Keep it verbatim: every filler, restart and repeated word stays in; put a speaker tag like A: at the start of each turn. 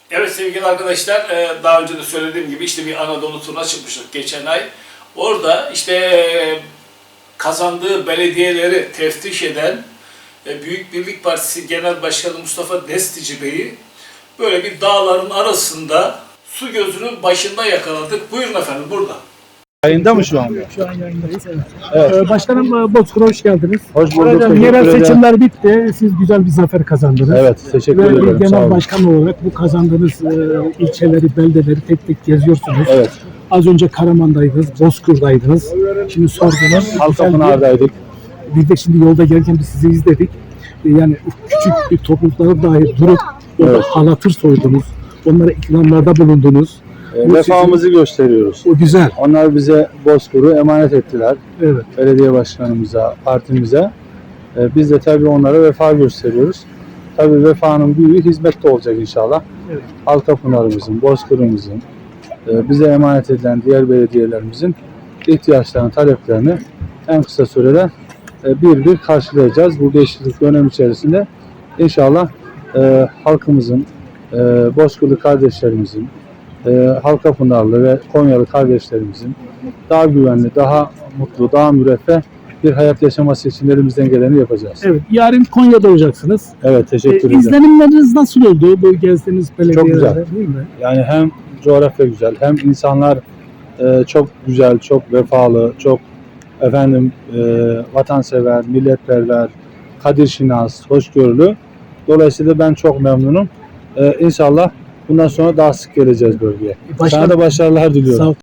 A: Evet sevgili arkadaşlar, daha önce de söylediğim gibi işte bir Anadolu turuna çıkmıştık geçen ay. Orada işte kazandığı belediyeleri teftiş eden Büyük Birlik Partisi Genel Başkanı Mustafa Destici Bey'i böyle bir dağların arasında su gözünün başında yakaladık. Buyurun efendim, burada.
B: Yayında mı şu anda?
C: Şu an yayındayız. Evet.
B: Evet.
C: Ee, Başkanım Bozkır'a hoş geldiniz.
B: Hoş bulduk.
C: Yerel
B: Teşekkür ederim.
C: seçimler bitti. Siz güzel bir zafer kazandınız.
B: Evet, teşekkür
C: Ve
B: ederim.
C: bir
B: Sağ
C: genel
B: olun.
C: başkan olarak bu kazandığınız e, ilçeleri, beldeleri tek tek geziyorsunuz.
B: Evet.
C: Az önce Karaman'daydınız, Bozkır'daydınız. Şimdi sordunuz.
B: Halkapınar'daydık.
C: Bir de şimdi yolda gelirken biz sizi izledik. E, Yani küçük bir topluluklara dair durup orada
B: Evet.
C: halatır soydunuz. Onlara ikramlarda bulundunuz.
B: E,
C: Bu
B: vefamızı gösteriyoruz.
C: O güzel.
B: Onlar bize Bozkır'ı emanet ettiler.
C: Evet.
B: Belediye başkanımıza, partimize. E, biz de tabii onlara vefa gösteriyoruz. Tabii vefanın büyüğü hizmette olacak inşallah.
C: Evet.
B: Halkapınar'ımızın, Bozkır'ımızın, e, bize emanet edilen diğer belediyelerimizin ihtiyaçlarını, taleplerini en kısa sürede e, bir bir karşılayacağız. Bu beş yıllık dönem içerisinde inşallah e, halkımızın, e, Bozkırlı kardeşlerimizin, e, Halkapınarlı ve Konyalı kardeşlerimizin daha güvenli, daha mutlu, daha müreffeh bir hayat yaşaması için elimizden geleni yapacağız.
C: Evet. Yarın Konya'da olacaksınız.
B: Evet, teşekkür
C: E,
B: ederim.
C: İzlenimleriniz nasıl oldu bu gezdiğiniz belediyelerde?
B: güzel.
C: Değil mi?
B: Yani hem coğrafya güzel, hem insanlar e, çok güzel, çok vefalı, çok efendim e, vatansever, milletperver, kadirşinas, hoşgörülü. Dolayısıyla ben çok memnunum. E, İnşallah bundan sonra daha sık geleceğiz bölgeye.
C: Başkan-
B: Sana da başarılar diliyorum.
C: Sağ ol.